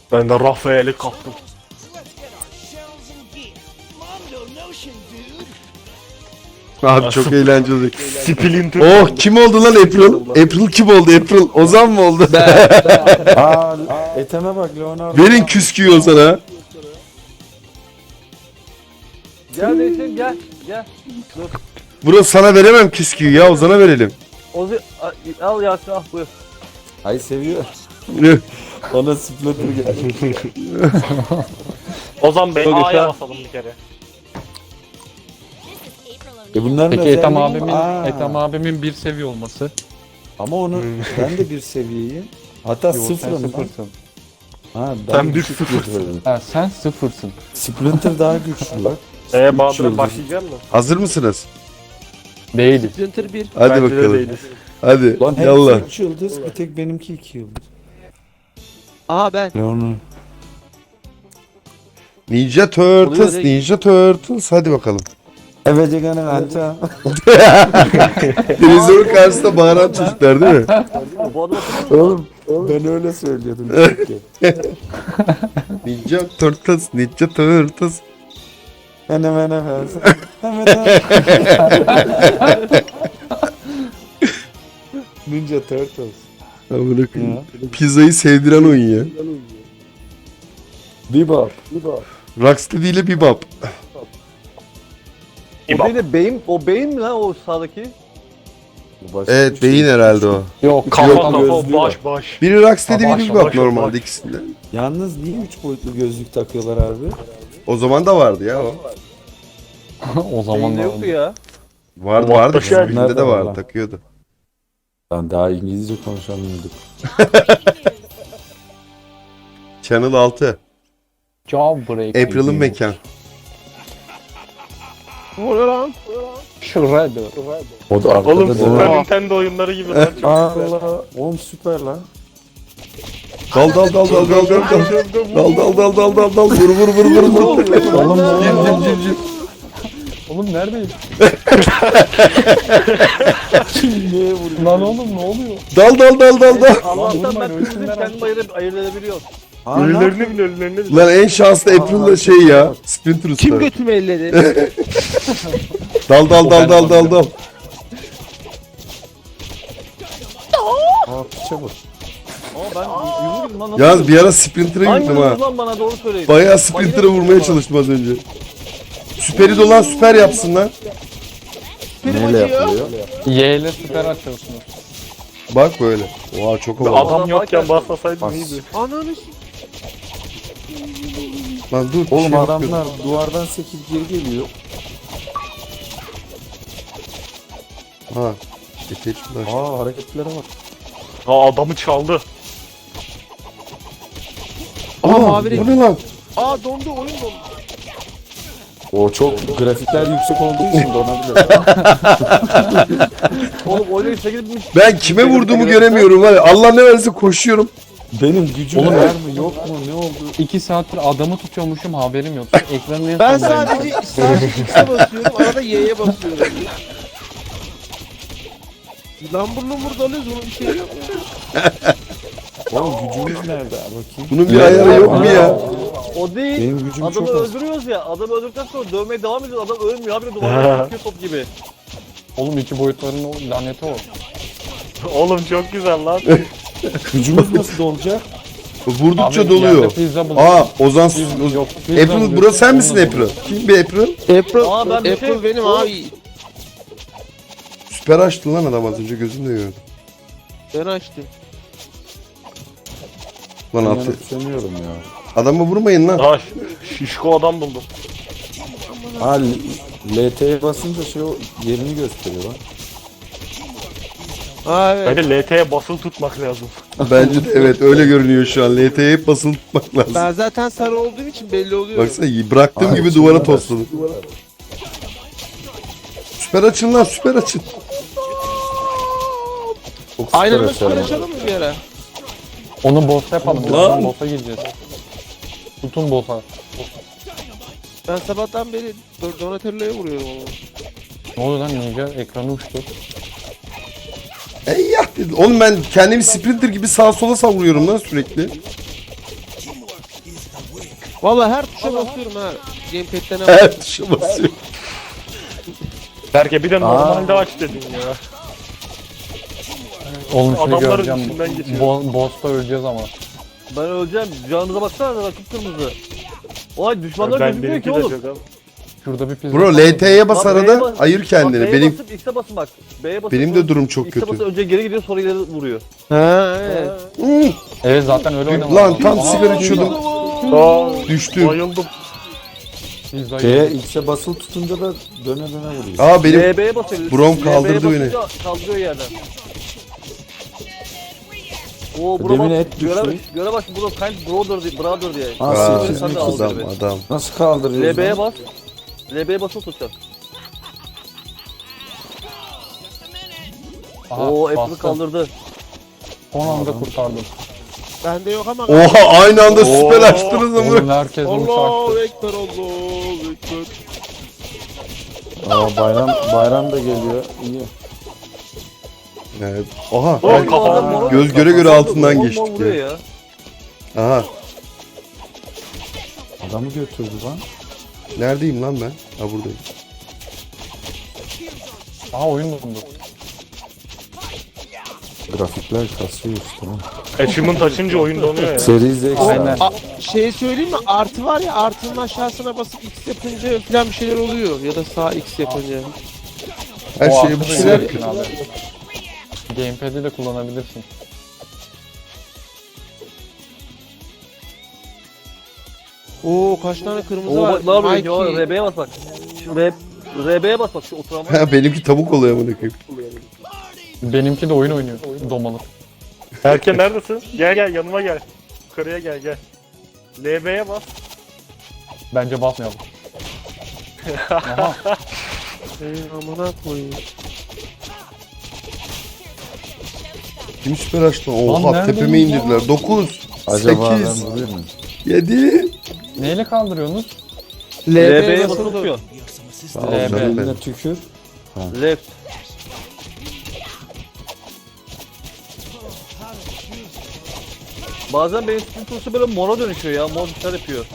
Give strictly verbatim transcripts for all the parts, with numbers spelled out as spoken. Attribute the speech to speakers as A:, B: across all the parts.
A: Ben de Rafael'i kaptım.
B: Abi çok eğlenceli.
A: Splinter.
B: Oh, kim oldu lan April? April kim oldu April? Ozan mı oldu?
C: Aa, eteme bak Leonardo.
B: Verin küsküyü Ozan'a.
D: Gel Neşe gel. Gel.
B: Bro sana veremem küsküyü ya, Ozan'a verelim.
D: Ozi al Yasin al buyur.
C: Ay seviyor. Ona Splinter geldi.
A: Ozan Bey
D: Çok
A: A'ya
D: güzel.
A: basalım bir kere.
C: E bunların
E: Peki
C: özelliği-
E: Ethem abimin,
C: Aa,
E: Ethem abimin bir seviye olması.
C: Ama onu ben de bir seviyeyim. Hatta
E: Yo, sen
C: sıfırım lan.
E: sıfırsın.
C: Ha, ben
A: Sen bir
C: düşük
A: sıfırsın.
C: götürüyorum.
E: Ha, sen sıfırsın.
C: Splinter daha güçlü lan.
A: Eee Bahadır'a
C: yıldız.
A: başlayacak mı?
B: Hazır mısınız?
E: Değiliz.
D: Splinter bir.
B: Hadi
A: Bence de
B: bakalım.
A: değiliz.
B: Hadi
C: Lan
B: yallah.
C: hepsi üç yıldız, bir tek benimki iki yıldız.
D: Aa ben.
C: Leonardo.
B: Ninja Turtles,
D: Oluyor direkt.
B: Ninja Turtles. Hadi bakalım.
C: Evet Ege'nin anta.
B: Televizyonun karşısında bağıran çocuklar değil mi?
D: Bu adam
C: Oğlum ben öyle söylüyordum. çünkü.
B: Ninja Turtles, Ninja Turtles.
C: Hemen hemen hemen. Hemen hemen. Ninja Turtles.
B: Amına koyayım. Pizzayı sevdiren oyun ya.
C: Bebop.
B: Rocksteady ile Bebop.
D: O değil de beyin, o beyin mi lan o sağdaki?
B: Evet, beyin herhalde o.
E: Yok,
A: Kafa
C: Yok,
A: kafa
C: gözlüğü
A: baş baş.
B: Biri Rocksteady,
A: Baş,
B: biri Bebop
A: baş,
B: normalde
A: baş.
B: ikisinde.
C: Yalnız niye üç boyutlu gözlük takıyorlar abi?
B: O zaman da vardı ya o.
E: o zaman
D: Beyinde
E: da
D: yoktu ya.
B: Vardı
A: Bebop
B: vardı.
A: da şey-
B: Bizimkinde de
C: Nerede var
B: vardı,
C: lan?
B: takıyordu.
C: Lan daha İngilizce konuşamıyorduk.
B: Channel altı.
E: Jawbreak.
B: April'ın mekan.
D: Ne oluyor lan?
E: Shredder.
C: O da arkada
A: Oğlum
C: da-
A: Super Nintendo oyunları gibi lan. Çok
C: Allah. Oğlum süper lan.
B: Dal dal dal dal dal dal dal. Dal dal dal dal dal dal. Vur vur vur vur vur.
C: Oğlum ne
E: Cim
C: oluyor?
E: cim cim cim. Oğlum neredeyim?
C: Niye vuruyor?
E: Lan oğlum ne oluyor?
B: Dal dal dal dal dal.
D: Allah'tan
E: vurmayın,
D: ben
E: ölsünler
D: kızdım
E: artık.
D: kendimi ayırıp ayırt edebiliyorum.
C: Aa, ne
A: Ölülerini bile ölülerini bile.
B: Lan en şanslı April'la şey ya. Splinter Usta.
D: Kim götümü elledi?
B: Dal dal dal dal dal dal.
C: Aa piçe bak.
D: Ama ben yumruğum lan nasıl?
B: Yalnız bir ara Splinter'a
D: Hangi
B: gittim ha.
D: yumruğum lan bana doğru söyleyin.
B: Bayağı Splinter'a vurmaya çalıştım az önce. Süperi dolan süper yapsın lan.
C: Neyle yapılıyor?
E: Y ile süper açıyorsunuz.
B: Bak böyle. Oha çok havalı.
A: Adam yokken basmasaydın
C: Bas.
A: iyiydi.
D: Ananı s***.
B: Lan dur.
C: Oğlum
B: şey
C: adamlar
B: yapıyorum.
C: duvardan sekip geri geliyor.
B: Ha. Geç flash.
C: Aa hareketlere bak.
A: Ha adamı çaldı.
B: Aa,
D: mavi
B: bu ne lan?
D: Aa dondu oyun dondu.
C: O çok grafikler yüksek olduğu için donabilir.
D: Oğlum oyunu çekilmiş.
B: Ben kime vurduğumu göremiyorum var ya. Allah ne verirse koşuyorum.
C: Benim gücüm
E: Oğlum,
C: var mı yok mu ne oldu?
E: İki saattir adamı tutuyormuşum haberim yok. Ekranın en
D: Ben
E: sondayım.
D: sadece sadece X'e basıyorum arada Y'ye basıyorum. Lambur lumbur dalıyoruz onun bir şey yok.
C: Oğlum gücümüz nerede bakayım.
B: Bunun bir ayarı yok mu ya?
D: O değil.
C: Benim gücüm
D: Adamı
C: çok az.
D: öldürüyoruz ya. Adamı öldürdükten sonra dövmeye devam ediyoruz. Adam ölmüyor. Habire duvardan çıkıyor top gibi.
E: Oğlum iki boyutların o laneti o.
A: Oğlum çok güzel lan.
C: Gücümüz nasıl olacak?
B: Vurdukça
E: Abi,
B: doluyor.
E: yerde pizza buldum.
B: Aa Ozan.
E: Piz- yok, pizza
B: April
E: buldum.
B: burası sen misin
E: Onunla
B: April?
E: buldum.
B: Kim bir April?
F: April,
D: Aa, ben bir
F: April
D: şey-
F: benim
D: Oğlum.
F: abi.
B: Süper açtı lan adam az önce gözümle gördüm.
F: Ben açtım.
B: Lan
C: Ben
B: attı.
C: yanıtsamıyorum ya.
B: Adama vurmayın lan.
A: Ha ş- şişko adam buldum.
C: Ha L T'ye basınca şey o yerini gösteriyor lan.
F: Aa evet.
A: Bence L T'ye basılı tutmak lazım.
B: Bence de evet öyle görünüyor şu an. L T'ye hep basılı tutmak lazım.
F: Ben zaten sarı olduğum için belli oluyor.
B: Baksana bıraktığım
C: Ay,
B: gibi
C: süper
B: duvara
C: açın.
B: tosladım. Süper açın lan süper açın.
C: Çok süper
F: Aynen
C: açar
F: süper
C: ama.
F: açalım mı bir ara?
E: Onu boss'a yapalım. Birazdan boss'a gireceğiz. Tutun boss'a.
F: Ben sabahtan beri Don- Donatello'ya vuruyorum ama.
E: Ne oluyor lan Ninja? Ekranı uçtu.
B: Ey ya dedi. Oğlum ben kendimi Sprinter gibi sağa sola savuruyorum lan sürekli.
F: Vallahi her tuşa basıyorum ha. Gamepad'de ne var?
B: Her tuşa basıyor.
A: Berke bir de normalde aç dedin ya.
E: Oğlum şunu
A: Adamların
E: göreceğim.
A: içinden geçiyor.
E: Bo boss'ta öleceğiz ama.
D: Ben öleceğim. Canınıza baksana da kıpkırmızı. Oy düşmanlar
A: Ben
D: gözükmüyor
A: benimki
D: ki
A: de
D: oğlum.
A: çok az.
E: Şurada bir pizza.
B: Bro L T'ye bas
D: Bak, B'ye
B: arada
D: bas-
B: ayır
D: Bak,
B: kendini.
D: B'ye
B: Benim
D: basıp X'e basın bak. B'ye basıp
B: benim de durum çok
D: X'e
B: kötü.
D: basıp önce geri gidiyor sonra ileri vuruyor.
F: Ha evet.
B: Hmm,
E: Evet zaten öyle oynamalı.
B: Lan tam
E: Aha,
B: sigara içiyordum.
A: Aa,
B: Düştüm.
A: bayıldım.
E: pizza
C: Şeye
E: yedim.
C: X'e basılı tutunca da döne döne vuruyor.
B: Aa benim
D: L B'ye basıyor.
B: Brom
D: L B'ye
B: kaldırdı beni.
D: basınca Kaldırıyor yerden. Oo
C: Demin
D: bro bak.
C: et düştü.
D: Göre, göre bak bro kind brother diye. Brother diye.
C: Ha,
B: Aa,
C: sekiz
D: sen de
C: mi
D: al
C: kızım?
B: adam
D: beni.
B: adam.
C: Nasıl kaldırıyoruz?
D: L B'ye
C: lan?
D: bas. L B'ye basılı tutacak.
E: Aha,
D: Oo hepsini
E: bastım.
D: kaldırdı.
E: Son anda kurtardım.
F: Bende yok ama.
B: Oha aynı anda süper
A: Oo.
B: açtınız ama.
E: Oğlum herkes uçaktı.
F: Allahu Ekber, Allahu Ekber.
C: Aa, bayram bayram da geliyor. İyi.
B: Evet. Oha.
A: Oğlum,
B: evet.
A: kafam
D: mor-
B: Göz göre göre
D: kafam
B: altından
D: mor- mor
B: geçtik
D: vuruyor
B: ya.
D: ya.
B: Aha.
C: Adamı götürdü lan.
B: Neredeyim lan ben? Ha buradayım.
E: Aha oyun bulundu.
C: Grafikler kasıyor işte. lan.
A: Achievement açınca oyun donuyor ya.
C: Seri Z
E: Aynen.
F: A, şey söyleyeyim mi? Artı var ya, artının aşağısına basıp X yapınca falan bir şeyler oluyor. Ya da sağ X yapınca.
B: Her
E: O
B: şeye bu
E: aklına
B: şeyler.
E: gelsin abi. Gamepad'i de kullanabilirsin.
F: Oo kaç tane kırmızı
D: Oo
F: var.
D: bak ne yapıyor?
F: Mikey.
D: Ya R B'ye bas bak. Şu R R B'ye bas bak şu oturama.
B: Ha benimki tavuk oluyor amına koyayım.
E: Benimki de oyun oynuyor. Domalık.
A: Berke neredesin? Gel gel yanıma gel. Yukarıya gel gel. L B'ye bas.
E: Bence basmayalım. Aha.
F: Ey, amına koyayım.
B: Kim süper açtı?
E: Lan
B: Oha
E: neredeyim
B: tepeme
E: ya?
B: indirdiler. dokuz,
C: Acaba ben
B: sekiz,
C: vuruyor muyum?
B: yedi.
E: Neyle kaldırıyorsunuz?
F: L
D: R
F: B'ye
D: B'ye basılı
F: basılı
D: tutuyor.
B: Sağ ol
E: L B.
B: canım
C: Eline
B: benim.
C: tükür.
D: Left. Bazen benim spin turşu böyle mora dönüşüyor ya. Mor bir şeyler yapıyor.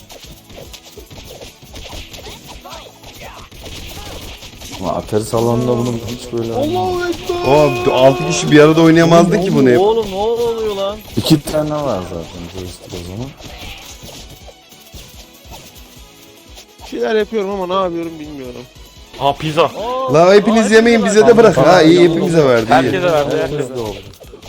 C: Ama Atari salonunda bunu hiç böyle
F: Allahu Ekber.
B: Oha altı kişi bir arada oynayamazdı ki bunu hep.
D: Oğlum ne oluyor lan?
C: İki tane var zaten joystick o zaman.
F: Bir şeyler yapıyorum ama ne yapıyorum bilmiyorum.
A: Ha pizza.
D: Aa,
B: La hepiniz
D: aa,
B: yemeyin
D: hepsi
B: bize
D: var.
B: de bırak. Ha iyi hepimize verdi iyi.
A: Herkese verdi herkese.
C: Herkes de oldu.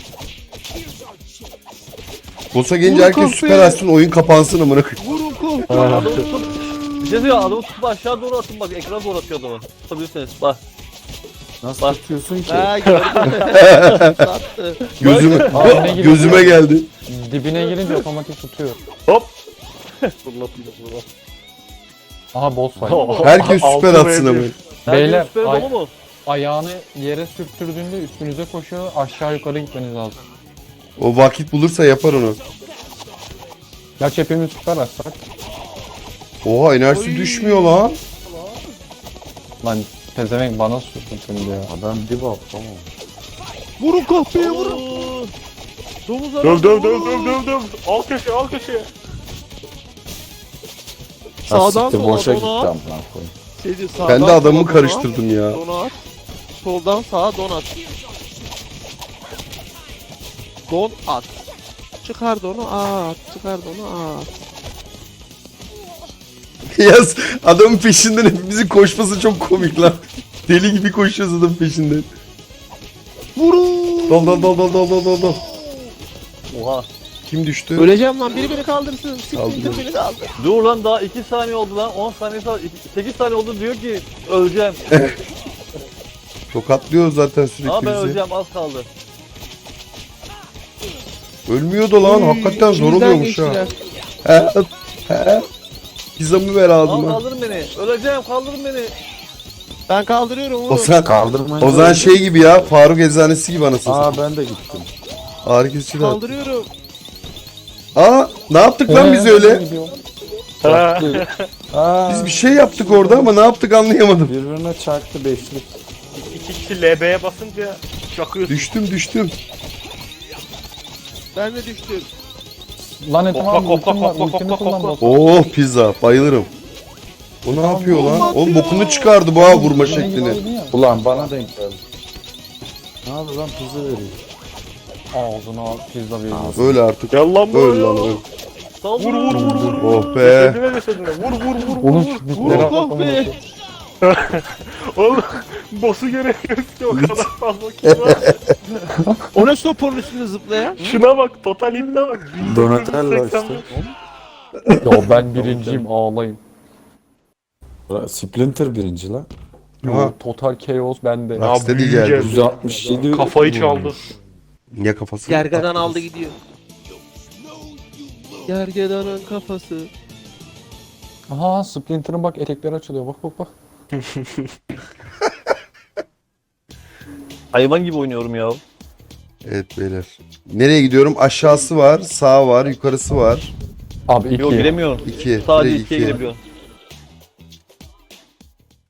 B: Boss'a gelince herkes süper açsın oyun kapansın amına koyayım.
F: Vurun kol.
D: Adamı tutup, bir şey söyleyeyim adamı tutup aşağı doğru atın bak ekrana doğru atıyor adamı. Tutabilirsiniz bak.
C: Nasıl
D: Bak.
C: tutuyorsun ki?
F: Ha gördüm. Sattı.
B: Gözüme
E: Aa, yine
B: gözüme geldi.
E: Dibine girince otomatik tutuyor.
A: Hop. Fırlatayım bunu.
E: Aha boss var.
B: Herkes süper
A: Altı
B: atsın
A: ve
B: ama.
A: bir.
E: Beyler,
D: Beyler.
E: ay-
D: Dolu mu?
E: Ayağını yere sürttürdüğünde üstünüze koşuyor. Aşağı yukarı gitmeniz lazım.
B: O vakit bulursa yapar onu.
E: Ya hepimiz süper açsak.
B: Oha enerjisi düşmüyor lan.
E: Lan pezevenk bana sürdün şimdi ya.
C: Adam dip up tamam.
F: Vurun kahpeye vurun. Domuzlar.
A: Döv döv döv döv döv döv. Al köşeye al köşeye.
F: Sağdan
C: Sağdan
F: sola
C: boşa gitti
F: dona.
C: amına koyayım.
F: Şey diyor, sağdan
B: Ben de
F: sola
B: adamı
F: dona,
B: karıştırdım ya.
F: Dona at. Soldan sağa don at. Don at. Çıkar donu at. Çıkar donu at.
B: Yaz adamın peşinden hepimizin koşması çok komik lan. Deli gibi koşuyoruz adamın peşinden.
F: Vurun.
B: Dal dal dal dal dal dal dal dal.
D: Oha.
B: Kim düştü?
F: Öleceğim lan, biri beni kaldırsın.
B: Kaldırıyorum.
F: Siktir beni kaldır.
D: Dur lan daha iki saniye oldu lan. on saniye sonra sekiz saniye oldu diyor ki öleceğim.
B: Tokatlıyor zaten
D: Ama
B: sürekli
D: ben
B: bizi.
D: öleceğim az kaldı.
B: Ölmüyordu lan hakikaten zor
F: İçimizden
B: oluyormuş ha.
F: geçtiler.
B: He he. Pizzamı ver
D: Al
B: ağzıma.
D: kaldırın beni. Öleceğim kaldırın beni.
F: Ben kaldırıyorum
B: O
F: oğlum.
B: zaman,
C: Kaldırmayın.
B: o zaman şey gibi ya Faruk Eczanesi gibi anasını
C: Aa
B: satayım.
C: ben de gittim.
B: Ağrı kesici de.
F: Kaldırıyorum.
B: Aa ne yaptık lan biz öyle?
A: Ha.
C: Aa,
B: Biz bir şey yaptık orada ama ne yaptık anlayamadım.
C: birbirine çarptı beşlik.
A: İki kişi L B'ye basınca çakıyorsun.
B: Düştüm düştüm.
F: Ben de düştüm.
E: Lan Ethem
A: Kokla,
E: abi
A: kokla,
E: ultim var.
A: kokla,
E: Ultimi
A: kokla,
E: kullan
A: kokla.
E: boss.
B: Oh pizza bayılırım. O ne yapıyor lan? Oğlum bokunu çıkardı bu ha vurma şeklini.
C: Ulan bana denk geldi. Ne yapıyor lan pizza veriyor.
E: Ağzına pizza veriyor.
B: Öyle artık.
A: Gel lan
B: Öl
A: buraya.
B: lan öl.
A: Vur vur vur vur. vur.
B: Oh be.
A: Cesedine cesedine. Vur vur vur vur.
E: Onun
A: vur.
E: bitleri
F: Oh
E: atlatamıyor.
F: be.
A: Oğlum boss'u göremiyoruz ki o kadar fazla kill var.
F: O ne soponun üstünde zıplayan?
A: Şuna bak total hit'e bak.
C: Donatello işte.
E: Ya ben birinciyim ağlayın.
C: Splinter birinci lan.
B: Aha.
E: Total chaos bende.
B: Ya, Rocksteady
A: büyüyeceğiz.
B: geldi.
C: yüz altmış yedi.
A: Kafayı çaldı.
B: Niye kafası?
F: Gergedan aldı gidiyor. Gergedanın kafası.
E: Aha Splinter'ın bak etekleri açılıyor. Bak bak bak.
D: Hayvan gibi oynuyorum ya.
B: Evet beyler. Nereye gidiyorum? Aşağısı var, sağ var, yukarısı var.
E: Abi iki.
D: Yok giremiyorum.
B: İki.
D: Sadece
B: direkt
D: ikiye
B: iki.
D: girebiliyorsun.